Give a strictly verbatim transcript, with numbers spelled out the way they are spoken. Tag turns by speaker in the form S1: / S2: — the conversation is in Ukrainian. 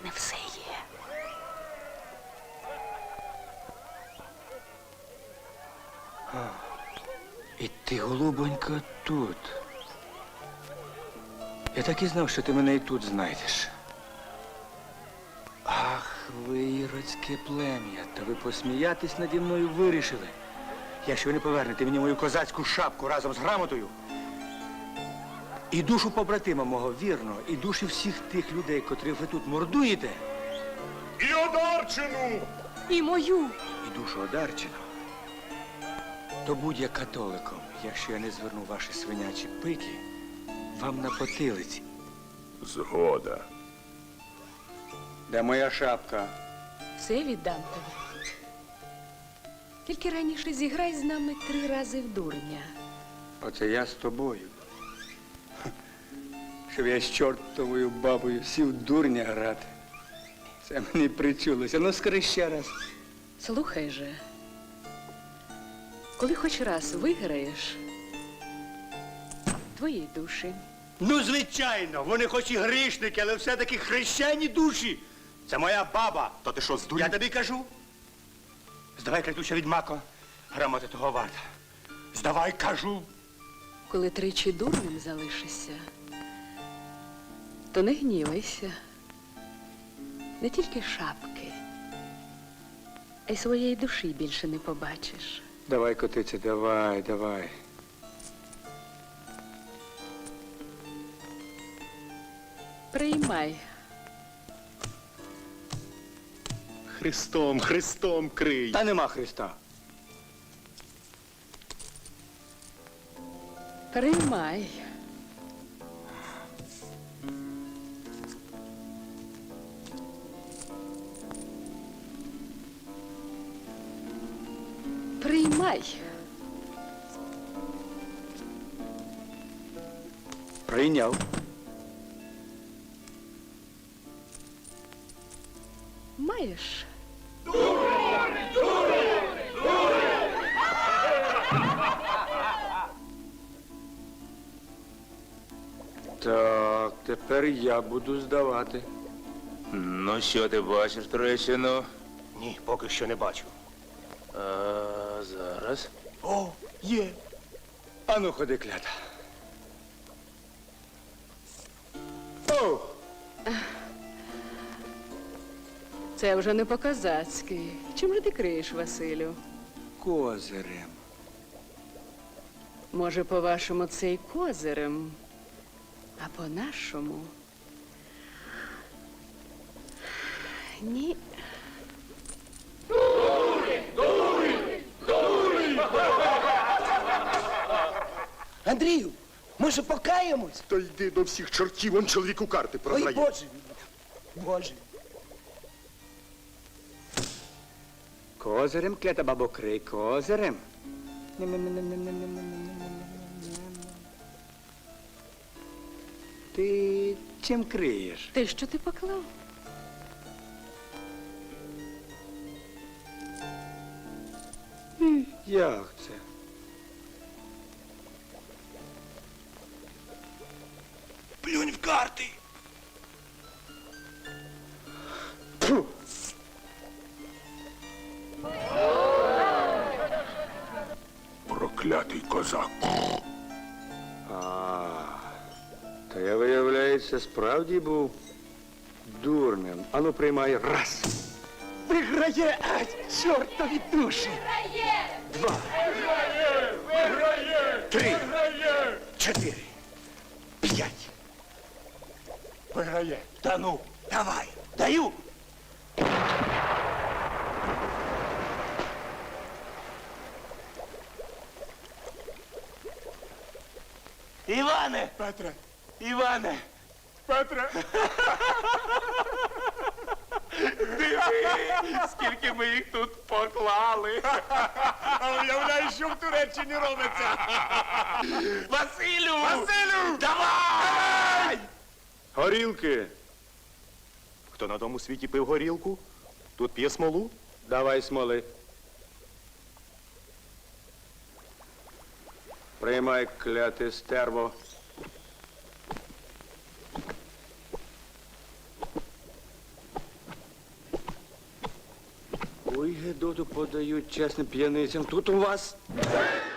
S1: мене все є.
S2: І ти, голубонька, тут. Я так і знав, що ти мене і тут знайдеш. Ах, ви іродське плем'я, та ви посміятись наді мною вирішили. Якщо ви не повернете мені мою козацьку шапку разом з грамотою, і душу побратима мого, вірно, і душі всіх тих людей, котрих ви тут мордуєте,
S3: І Одарчину!
S1: І мою.
S2: і душу Одарчина, то будь я католиком, якщо я не зверну ваші свинячі пики вам на потилиці.
S3: Згода.
S2: Де моя шапка?
S1: Все віддам тобі. Тільки раніше зіграй з нами три рази в дурня.
S2: Оце я з тобою. Ха. Щоб я з чортовою бабою сів дурня грати. Це мені причулося. Ну, скажи ще раз.
S1: Слухай же, коли хоч раз виграєш, твої душі.
S2: Ну, звичайно, вони хоч і грішники, але все-таки хрещені душі. Це моя баба.
S3: Та ти що, здурів?
S2: Я тобі кажу. Здавай, клятуща відьмако, грамоти того варта. Здавай, кажу.
S1: Коли тричі дурним залишишся, то не гнівайся. Не тільки шапки, а й своєї душі більше не побачиш.
S2: Давай, котице, давай, давай.
S1: Приймай.
S3: Христом, Христом крий.
S2: Та нема Христа.
S1: Приймай. Приймай.
S2: Прийняв.
S1: Маєш?
S2: Так, тепер я буду здавати.
S4: Ну, що ти бачиш, Трещину?
S3: Ні, поки що не бачу.
S4: А зараз?
S2: О, є. Ану, ходи, клята. О!
S1: Це вже не по-козацьки. Чим же ти криєш, Василю?
S2: Козирем.
S1: Може, по-вашому, це й козирем, а по-нашому? Ні.
S5: Андрію, може покаємось?
S3: То йди до всіх чортів, он чоловіку карти
S5: Ой,
S3: продає.
S5: Боже мій, Боже.
S2: Козирем, клята бабо, крий, козирем. Ти чим криєш?
S1: Те, що ти поклав?
S2: Як це?
S5: Плюнь в карти.
S2: Фу.
S3: Проклятий козак.
S2: А, то я, виявляється, справді був дурним. Ану, приймай раз.
S5: Виграє, а, чортові душі.
S2: Два. Три. Чотири. П'ять.
S3: Виграє.
S5: Та ну, давай, даю. Іване!
S3: Петре,
S5: Іване!
S3: Петре.
S5: Скільки ми їх тут поклали.
S3: А уявляєш, що в Туреччині робиться?
S5: Василю!
S3: Василю!
S5: Давай!
S2: Горілки.
S3: Хто на тому світі пив горілку? Тут п'є смолу?
S2: Давай, смоли. Приймай, кляте стерво. Ой, Гедоту подають чесним п'яницям. Тут у вас